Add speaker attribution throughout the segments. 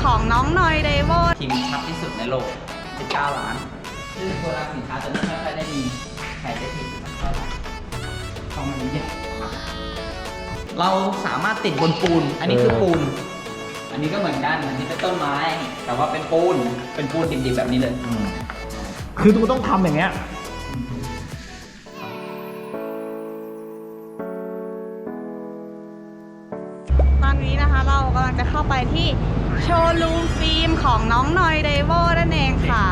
Speaker 1: ของน้องนอยเดโว
Speaker 2: ทีมชัดที่สุดในโลก 19 ล้านซึ่งโปรดักต์สินค้าตัวนี้ไม่ค่อยได้มีใครได้ติดเท่าไหร่เพราะมันใหญ่มากเราสามารถติดบนปูน อันนี้คือปูน อันนี้ก็เหมือนกัน อันนี้เป็นต้นไม้ แต่ว่าเป็นปูนดิบๆแบบนี้เลย
Speaker 3: คือตูต้องทำอย่างเงี้ย
Speaker 1: ตอนนี้นะคะเรากำลังจะเข้าไปที่โชว์รูมฟิล์มของน้องนอยเดโวนั่นเองค่ะ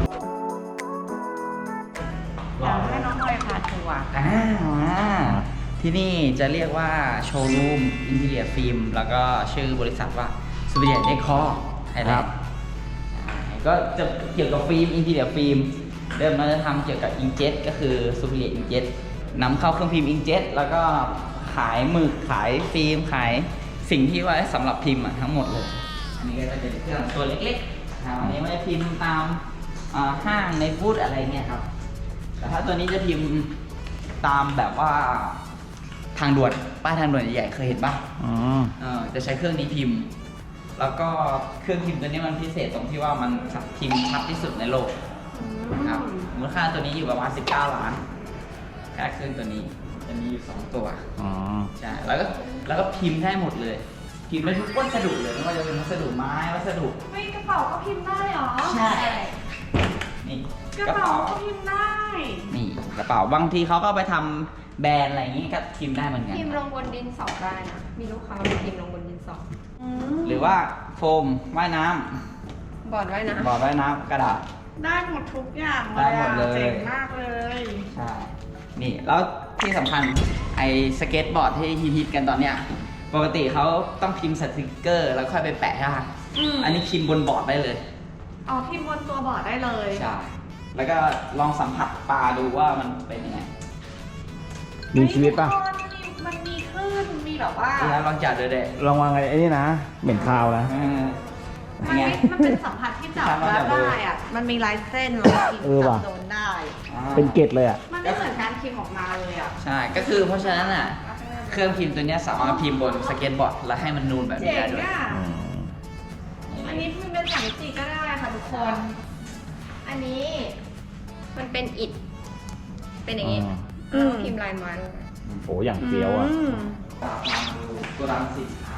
Speaker 1: อยากให้น้องนอยพาทัวร์
Speaker 2: ที่นี่จะเรียกว่าโชว์รูมอินทีเรียฟิล์มแล้วก็ชื่อบริษัทว่าซูเปอร์เดียเดคอร์ไทยแลนด์ก็จะเกี่ยวกับฟิล์มอินทีเรียฟิล์มเริ่มเราจะทำเกี่ยวกับอิงเจ็ตก็คือซูเปอร์เดียอิงเจ็ตนำเข้าเครื่องพิมพ์อิงเจ็ตแล้วก็ขายหมึกขายฟิล์มขายสิ่งที่ไว้สำหรับพิมพ์ทั้งหมดเลยอันนี้ก็จะเป็นเครื่องตัวเล็กๆอันนี้ไม่ได้พิมพ์ตามห้างในบูธอะไรเงี้ยครับแต่ถ้าตัวนี้จะพิมพ์ตามแบบว่าทางด่วนป้ายทางด่วนใหญ่ๆเคยเห็นป่ะจะใช้เครื่องนี้พิมพ์แล้วก็เครื่องพิมพ์ตัวนี้มันพิเศษตรงที่ว่ามันพิมพ์ชัดที่สุดในโลกครับมูลค่าตัวนี้อยู่ประมาณ19 ล้านแค่เครื่องตัวนี้จะมีอยู่2 ตัวใช่แล้วก็พิมพ์ได้หมดเลยพิมพ์ได้ทุกวัสดุเลยไม่ว่าจะเป็นวัสดุไม้วัสดุ
Speaker 1: เฮ้ยกระเป๋าก็พิมพ์ได้เหรอ
Speaker 2: ใช่นี่
Speaker 1: กระเป๋าก็พิมพ์ได้
Speaker 2: นี่กระเป๋าบางทีเขาก็ไปทำแบรนด์อะไรอย่างงี้ก็พิมพ์ได้เหมือนกัน
Speaker 4: พิมพ์ลงบนดินสอได้นะมีลูกค้าพิมพ์ลงบนดินสอ
Speaker 2: หรือว่าโฟมว่ายน้ำ
Speaker 4: บอร์ดว่ายน้
Speaker 2: ำกระดาษ
Speaker 1: ได้หมดทุกอย่าง
Speaker 2: ได้หมดเลย
Speaker 1: เจ๋งมากเลย
Speaker 2: ใช่นี่แล้วที่สำคัญไอ้สเก็ตบอร์ดที่ฮิตกันตอนเนี้ยปกติเขาต้องพิมพ์สติกเกอร์แล้วค่อยไปแปะใช่ไหมอันนี้พิมพ์บนบอร์ดได้เลย
Speaker 1: อ๋อพิมพ์บนตัวบอร์ดได้เลย
Speaker 2: ใช่แล้วก็ลองสัมผัสปลาดูว่ามันเป็นยังไง
Speaker 3: มีชีวิตป่ะ
Speaker 1: มันมีคลื่นมีแบบว่า
Speaker 2: ลองจับดูเด็
Speaker 3: ลองวางไอ้นี่นะเหม็นคาวนะ
Speaker 1: มันเป็นสัมผัสที่จับได้อ่ะมันมีลายเส้นแล้วพิมพ์จับโดนได้
Speaker 3: เป็นเกล็ดเลยอ่ะ
Speaker 1: มันไม่เหมือนการพิมพ์ออกมาเลยอ่ะ
Speaker 2: ใช่ก็คือเพราะฉะนั้นอ่ะเครื่องพิมพ์ตัวนี้สามารถพิมพ์บนสเก็ตบอร์ดแล้วให้มันนูนแบบนี้ได้ด้วย
Speaker 1: อันนี้พิมพ์เป็น3 มิติก็ได้ค่ะทุกคน
Speaker 4: อันนี้มันเป็นอิฐเป็นอย่างนี้พิมพ์ลายไม้ลงไป
Speaker 3: โอ้อย่างเฟี้ยวอ่ะ
Speaker 2: ตัวรังสินค้า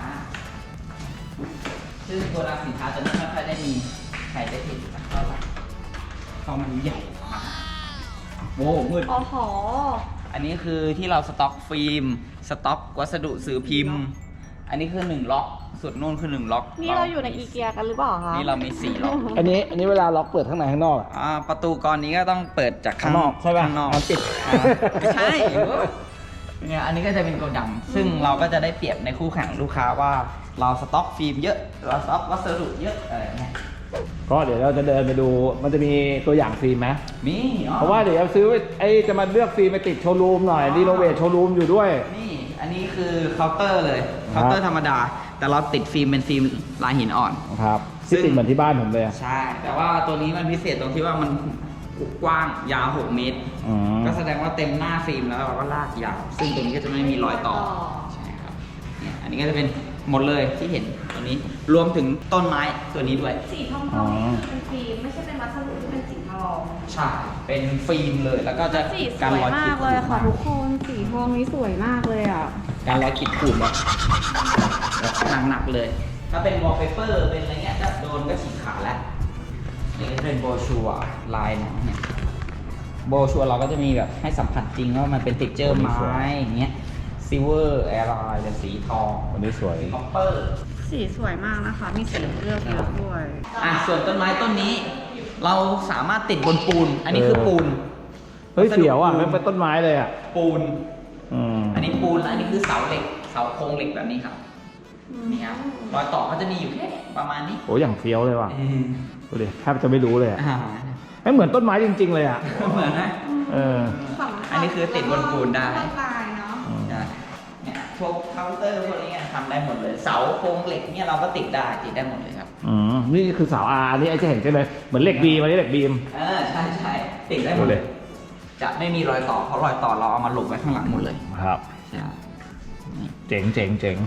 Speaker 2: ซึ่งตัวรังสินค้าตัวนี้ไม่ค่อยได้มีใครได้เห็นเท่าไหร่เพราะมันใหญ่มากโว้มืด
Speaker 1: อ๋อหอ
Speaker 2: อันนี้คือที่เราสต็อกฟิล์มสต็อกวัสดุสื่อพิมพ์อันนี้คือ1 ล็อกสุดนู่นคือ1 ล็อก
Speaker 1: นี่เราอยู่ในอีเกียกันหรือเปล่าคะ
Speaker 2: นี่เรามี4 ล็อก
Speaker 3: อันนี้เวลาล็อกเปิดข้างในข้างนอก
Speaker 2: ประตูกรนี้ก็ต้องเปิดจากข้างนอก
Speaker 3: ใช่ป่ะ
Speaker 2: ข้างนอก
Speaker 3: ปิด
Speaker 2: ไม่ใช่เนี่ยอันนี้ก็จะเป็นโกดังซึ่งเราก็จะได้เปรียบในคู่แข่งลูกค้าว่าเราสต็อกฟิล์มเยอะเราสต็อกวัสดุเยอะอะไรเงี้ย
Speaker 3: ก็เดี๋ยวเราจะเดินไปดูมันจะมีตัวอย่างฟิล์มไหม
Speaker 2: มี
Speaker 3: เพราะว่าเดี๋ยวซื้อจะมาเลือกฟิล์มไปติดโชว์รูมหน่อยรีโนเวทโชว์รูมอยู่ด้วย
Speaker 2: นี่อันนี้คือเคาน์เตอร์เลยเคาน์เตอร์ธรรมดาแต่เราติดฟิล์มเป็นฟิล์มลายหินอ่อน
Speaker 3: ครับซึ่งติดเหมือนที่บ้านผมเลย
Speaker 2: ใช่แต่ว่าตัวนี้มันพิเศษตรงที่ว่ามันกว้างยาว6 เมตรก็แสดงว่าเต็มหน้าฟิล์มแล้วเราก็ลากยาวซึ่งตัวนี้ก็จะไม่มีรอยต่อใช่ครับเนี่ยอันนี้ก็จะเป็นหมดเลยที่เห็นตัวนี้รวมถึงต้นไม้ตัวนี้ด้วย
Speaker 1: สีทองนี่คือเป็นฟิล์มไม่ใช่เป็นวัสดุที่เป็นสีทอง
Speaker 2: ใช่เป็นฟิล์มเลยแล้วก็จะ
Speaker 1: การรอยขีดเลยค่ะทุกคนสีทองนี้สวยมากเลยอ่ะ
Speaker 2: การรอยขีดขูดแบบหนักๆเลยถ้าเป็นวอลเปเปอร์เป็นอะไรเงี้ยจะโดนก็ฉีกขาดแล้วนี่ก็เป็นโบชัวลายหนังเนี่ยโบชัวเราก็จะมีแบบให้สัมผัสจริงว่ามันเป็นติ๊กเจอร์ไม้อย่างเงี้ยซิลเวอร์แอร์ไลน์เป็นสีทอง
Speaker 3: วันนี้สวย
Speaker 2: คอปเปอร์
Speaker 1: สีสวยมากนะคะมีสีเลือกเยอะด้วย
Speaker 2: ส่วนต้นไม้ต้นนี้เราสามารถติดบนปูนอันนี้คือปูน
Speaker 3: เฮ้ยเสียวอ่ะไม่เป็นต้นไม้เลยอ่ะ
Speaker 2: ปูนอันนี้ปูนและอันนี้คือเสาเหล็กเสาโครงเหล็กแบบนี้ครับนี่ครับรอยต่อเขาจะมีอยู่แค่ประมาณนี้
Speaker 3: โอ้อย่างเฟี้ยวเลยว่ะดูดิแทบจะไม่รู้เลยอ่ะไม่เหมือนต้นไม้จริงๆเลยอ่ะ
Speaker 2: เหมือนนะอันนี้คือติดบนปูนได้เนี่ยพวกเคาน์เตอร์พวกนี้ทำได้หมดเลยเสาโครงเหล็กเนี่ยเราก็ติดได้หมดเลยครับ
Speaker 3: นี่คือเสาอานี่ไอ้จะเห็นใช่เลยเหมือนเหล็กบีมอันนี้เหล็กบีม
Speaker 2: ใช่ติดได้หมดเลยจะไม่มีรอยต่อเพราะรอยต่อเราเอามาหลบไว้ข้างหลังหมดเลย
Speaker 3: ครับเจ๋ง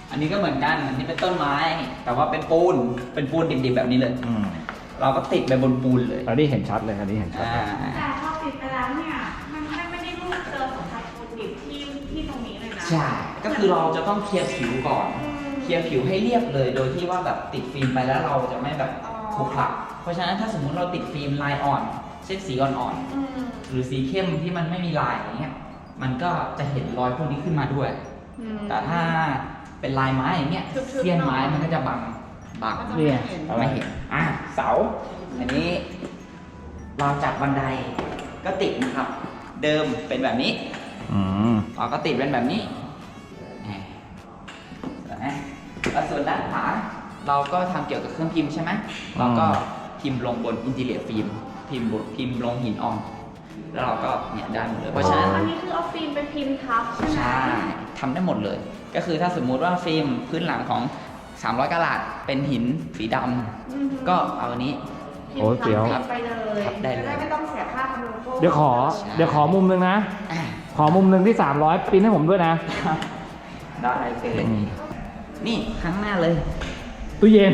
Speaker 2: อันนี้ก็เหมือนกัน อันนี้เป็นต้นไม้ แต่ว่าเป็นปูนดิบๆแบบนี้เลย เราก็ติดไปบนปูนเลย
Speaker 3: อันนี้เห็นชัดเลยอันนี้เห็นชัด
Speaker 1: แต่พอติดไปแล้วเนี่ยมันไม่ได้รูปเจอสัมผัสปูนดิบที่ตรงนี้เลยนะ
Speaker 2: ใช่ ก็คือเราจะต้องเคลียร์ผิวก่อน เคลียร์ผิวให้เรียบเลย โดยที่ว่าแบบติดฟิล์มไปแล้วเราจะไม่แบบขรุขระเพราะฉะนั้นถ้าสมมุติเราติดฟิล์มลายอ่อนเช่นสีอ่อนๆหรือสีเข้มที่มันไม่มีลายอย่างเงี้ย มันก็จะเห็นรอยพวกนี้ขึ้นมาด้วย แต่ถ้าเป็นลายไม้อย่างเงี้ย เสี้ยนไม้มันก็จะบัง
Speaker 3: เนี่ย
Speaker 2: ไม่เห็น เสา อันนี้เราจากบันไดก็ติดนะครับ เดิมเป็นแบบนี้ เราก็ติดเป็นแบบนี้แล้วส่วนด้านขวาเราก็ทำเกี่ยวกับเครื่องพิมพ์ใช่ไหมเราก็พิมพ์ลงบนอินทีเรียฟิล์มพิมพ์ลงหินอ่อนแล้วเราก็เนี่ยได้หมดเลยเพราะฉะนั้น
Speaker 1: อันนี้คือเอาฟิล์มไปพิมพ์ทับใช่ไหม
Speaker 2: ใช่ทำได้หมดเลย ก็คือถ้าสมมุติว่าฟิล์มพื้นหลังของ300 กะรัตเป็นหินสีดำก็เอาอันนี้
Speaker 3: โอ้ยเดี๋ยว
Speaker 1: พิมพ์ไปเลย
Speaker 2: ทับได้เลย
Speaker 1: จะได้ไม่ต้องเสียค่าทำโลโก้
Speaker 3: เดี๋ยวขอมุมนึงนะ
Speaker 2: อ่ะ
Speaker 3: ขอมุมนึงที่300ปริ้นให้ผมด้วยนะ
Speaker 2: ได้เลยนี่ข้างหน้าเลย
Speaker 3: ตู้เย็น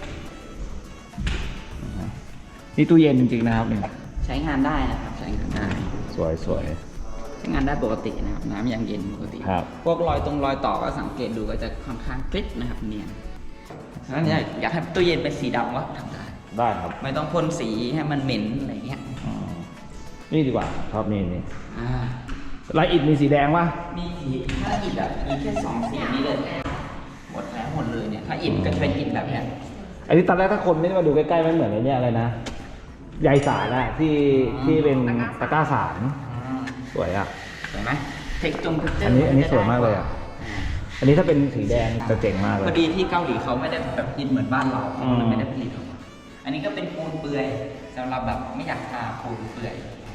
Speaker 3: นี่ตู้เย็นจริงๆนะครับเนี่ย
Speaker 2: ใช้งานได้นะครับใช้งานได้
Speaker 3: สวย
Speaker 2: ใช้งานได้ปกตินะครับน้ำยังเย็นปกติ
Speaker 3: ครับ
Speaker 2: พวกรอยต่อก็สังเกตดูก็จะค่อนข้างคลิปนะครับเนียนฉะนั้นอยากให้ตู้เย็นเป็นสีดำก็ทำได้
Speaker 3: ได้ครับ
Speaker 2: ไม่ต้องพ่นสีให้มันเหม็นอะไรเงี้ย
Speaker 3: นี่ดีกว่าชอบนี่
Speaker 2: อ่า
Speaker 3: ลายอิฐมีสีแดงป่ะ
Speaker 2: มีสีถ้าอิฐอ่ะมีแค่2 สีนี้เลยหมดแล้วหมดเลยเนี่ยถ้าอิฐก็จะเป็นอิฐแบบเนี้ย
Speaker 3: อันนี้ตอนแรกถ้าคนไม่ได้มาดูใกล้ๆมันเหมือนไอ้เนี่ยอะไรนะใยสารอะที่เป็นตะกร้าสารสวยอ่ะ
Speaker 2: เห็นไหมเทคเจอร์
Speaker 3: อันนี้สวยมากเลยอ่ะ อันนี้ถ้าเป็นสีแดงจะเจ๋งมากเลย
Speaker 2: พอดีที่เกาหลีเขาไม่ได้แบบอิฐเหมือนบ้านเราเขาเลยไม่ได้ผลิตออกมาอันนี้ก็เป็นปูนเปื่อยสำหรับแบบไม่อยากทาปูนเปื่อย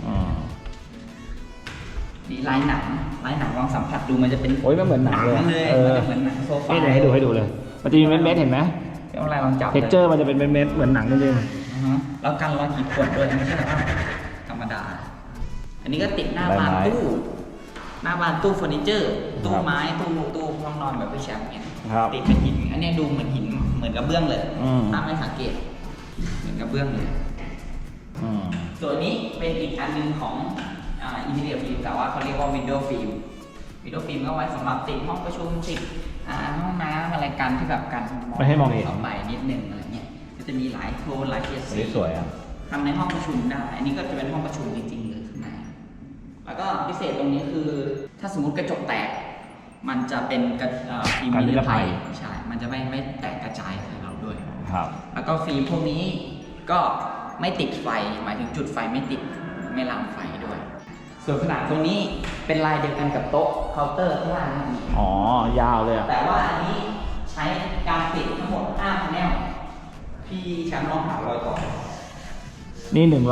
Speaker 2: นี่ลายหนังลองสัมผัสดูมันจะเป็น
Speaker 3: โอ้ยมันเหมือนหนังเลย
Speaker 2: มันจะเหมือนหนังโซฟา
Speaker 3: นี่เดี๋ยวให้ดูเลย มันจะมีเม็ดๆเห็นไหม
Speaker 2: เป็นอะไรลองจับ
Speaker 3: เท็กเจอร์มันจะเป็นเม็ดๆเหมือนหนังจริง
Speaker 2: แล้วกันรอยขีดข่วนด้วยไม่ใช่แบบว่าธรรมดา อันนี้ก็ติดหน้าบานตู้เฟอร์นิเจอร์ ตู้ไม้ตู้ห้องนอนแบบพี่แชมป์เนี่ย
Speaker 3: ครับ
Speaker 2: ติดเป็นหิน อันนี้ดูเหมือนหินเหมือนกระเบื้องเลยถ้าไม่สังเกตเหมือนกระเบื้องเลย ส่วนนี้เป็นอีกอันหนึงของอินทีเรียฟิล์มแต่ว่าเขาเรียกว่าวินโดว์ฟิล์มก็ไว้สำหรับติดห้องประชุมติดห้องน้ำอะไรกันที่แบบกัน
Speaker 3: ไม่ให้มองเห็น
Speaker 2: เข้าไปนิดนึงอะไรเงี้ยก็จะมีหลายโทนหลายเฉด
Speaker 3: อัน
Speaker 2: สี
Speaker 3: นี้สวยอ่ะ
Speaker 2: ทำในห้องประชุมได้ อันนี้ก็จะเป็นห้องประชุมจริงๆเลยข้างในแล้วก็พิเศษตรงนี้คือถ้าสมมุติกระจกแตก มันจะเป็นฟิล์ม
Speaker 3: กันนิ
Speaker 2: นิ
Speaker 3: ร
Speaker 2: ร
Speaker 3: ภั
Speaker 2: ภั
Speaker 3: ย
Speaker 2: ยใช่มันจะไม่แตกกระจายใส่เราด้วย
Speaker 3: ครับ
Speaker 2: แล้วก็ฟิล์มพวกนี้ก็ไม่ติดไฟ หมายถึงจุดไฟไม่ติดไม่ลามไฟด้วย ส่วนขนาดตรงนี้เป็นลายเดียวกันกับโต๊ะเคาน์เตอร์ข้างล่างนั่นเอง
Speaker 3: อ๋อยาวเลยอ่ะ
Speaker 2: แต่ว่าอันนี้ใช้การติดทั้งหมด5 แนวพี่แชมป์ลองหารอยต่อ
Speaker 3: นี่100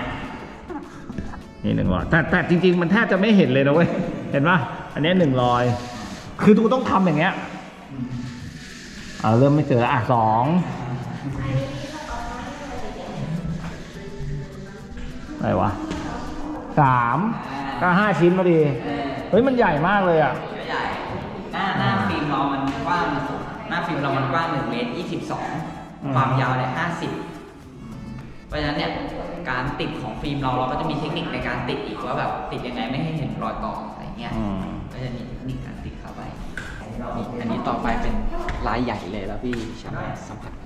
Speaker 3: นี่100แต่จริงๆมันแทบจะไม่เห็นเลยนะเว้ย เห็นป่ะ อันนี้100คือตูต้องทำอย่างเงี้ยเริ่มไม่เจอแล้ว2อะไรวะ3ก็5 ชิ้นพอดี เฮ้ยมันใหญ่มากเลยอ่ะ
Speaker 2: ใหญ่หน้าฟิล์มเรามันกว้างหน้าฟิล์มเรามันกว้าง1 เมตร 22 ความยาวเนี่ย50 เพราะฉะนั้นเนี่ยการติดของฟิล์มเราก็จะมีเทคนิคในการติดอีกว่าแบบติดยังไงไม่ให้เห็นรอยต่ออะไรเงี้ยก็จะมีเทคนิคการติดเข้าไปนี่อันนี้ต่อไปเป็นลายใหญ่เลยแล้วพี่ชาร์ปสัมผัส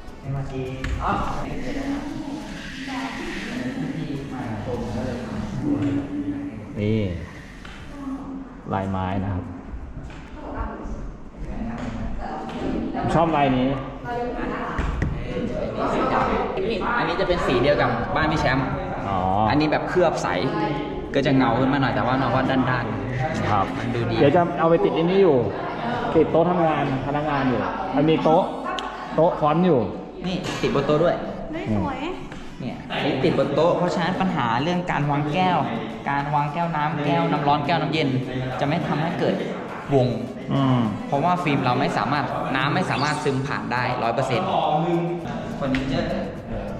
Speaker 3: นี่ลายไม้นะครับ ชอบลายนี้
Speaker 2: อันนี้จะเป็นสีเดียวกับบ้านพี่แชมป์ อันนี้แบบเคลือบใสก็จะเงาขึ้นมาหน่อยแต่ว่าน้องว่าด้านๆ
Speaker 3: ครับ
Speaker 2: มันดูดี
Speaker 3: เดี๋ยวจะเอาไปติดอันนี้อยู่ ติดโต๊ะทำงานพนักงานอยู่ มันมีโต๊ะฟอนต์อยู่
Speaker 2: นี่ติดบนโต๊ะด้วย
Speaker 1: ไม่สวย
Speaker 2: เนี่ยนี่ติดบนโต๊ะเพราะฉะนั้นปัญหาเรื่องการวางแก้ว การวางแก้วน้ำแก้วน้ำร้อนแก้วน้ำเย็น จะไม่ทำให้เกิดวง เพราะว่าฟิล์มเราไม่สามารถน้ำไม่สามารถซึมผ่านได้100%เฟอร์นิเจอร์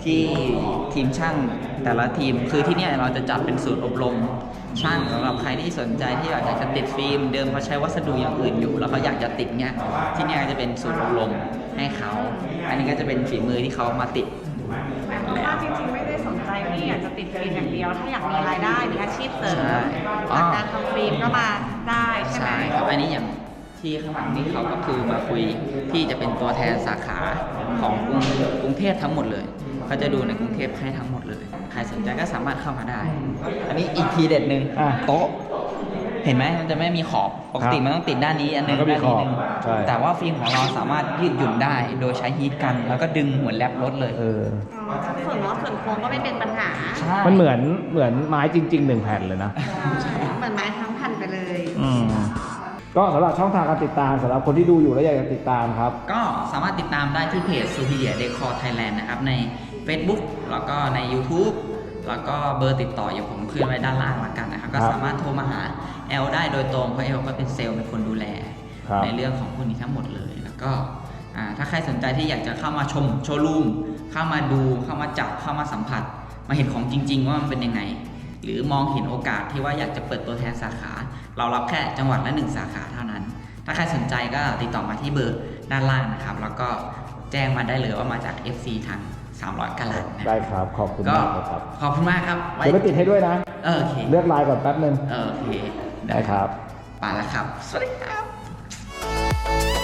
Speaker 2: ที่ทีมช่างแต่ละทีมคือที่เนี่ยเราจะจัดเป็นศูนย์อบรมช่างสำหรับใครที่สนใจที่อยากจะติดฟิล์มเดิมเขาใช้วัสดุอย่างอื่นอยู่ แล้วเขาอยากจะติดเนี่ยที่เนี่ยก็จะเป็นศูนย์อบรมให้เขาอันนี้ก็จะเป็นฝีมือที่เขามาติด
Speaker 1: เพราะว่าจริงๆไม่ได้สนใจที่อยากจะติดฟิล์มอย่างเดียว ถ้าอยากมีรายได้มีอาชีพเสริม
Speaker 2: ใช่
Speaker 1: จากการทำฟิล์มก็มาได้ใช่ไหม
Speaker 2: ใช่ครับอันนี้อย่างที่ข้างหลังนี่เขาก็คือมาคุยที่จะเป็นตัวแทนสาขาของกรุงเทพทั้งหมดเลยเขาจะดูในกรุงเทพให้ทั้งหมดเลยใครสนใจก็สามารถเข้ามาได้ อันนี้อีกทีเด็ดหนึ่ง
Speaker 3: อ่ะ
Speaker 2: โต๊ะเห็นไหมมันจะไม่มีขอบปกติมันต้องติดด้านนี้อันหนึง
Speaker 3: มันก็มี
Speaker 2: ด้านนี้หนึง
Speaker 3: ขอบใช่
Speaker 2: แต่ว่าฟิล์มของเราสามารถยืดหยุ่นได้ โดยใช้ฮีทกันแล้วก็ดึงเหมือนแรปรถเลย
Speaker 3: เออ
Speaker 1: อ๋อส่วนล้อส่วนโค้งก็ไม่เป็นปัญหา
Speaker 2: ใช่
Speaker 3: มันเหมือนไม้จริงๆ1 แผ่นเลยนะ
Speaker 1: เหมือนไม้ทั้งพันไปเลย
Speaker 3: ก็สำหรับช่องทางการติดตามสำหรับคนที่ดูอยู่แล้วอยากจะติดตามครับ
Speaker 2: ก็สามารถติดตามได้ที่เพจ Superior Decor Thailand นะครับใน Facebook แล้วก็ใน YouTube แล้วก็เบอร์ติดต่ออย่างผมขึ้นไว้ด้านล่างละกันนะครับ ก็
Speaker 3: ครับ
Speaker 2: สามารถโทรมาหาแอลได้โดยตรงเพราะแอลก็เป็นเซลล์เป็นคนดูแล
Speaker 3: ครับ
Speaker 2: ในเรื่องของพวกนี้ทั้งหมดเลย แล้วก็ถ้าใครสนใจที่อยากจะเข้ามาชมโชว์รูมเข้ามาดูเข้ามาจับเข้ามาสัมผัส มาเห็นของจริง ๆ ว่ามันเป็นยังไง หรือมองเห็นโอกาสที่ว่าอยากจะเปิดตัวแทนสาขา เรารับแค่จังหวัดละ1 สาขาเท่านั้น ถ้าใครสนใจก็ติดต่อมาที่เบอร์ด้านล่างนะครับ แล้วก็แจ้งมาได้เลยว่ามาจาก FC ทาง300 กะลัดนะ
Speaker 3: ได้ครับขอบคุณ
Speaker 2: ก็
Speaker 3: มากเลยครับ
Speaker 2: ขอบคุณมากครับ
Speaker 3: เดี๋ยวไปติดให้ด้วยนะ
Speaker 2: โอเค
Speaker 3: เลือกลายก่อนแป๊บนึง
Speaker 2: โอเค
Speaker 3: ได้ครับ
Speaker 2: ไปแล้วครับ สวัสดีครับ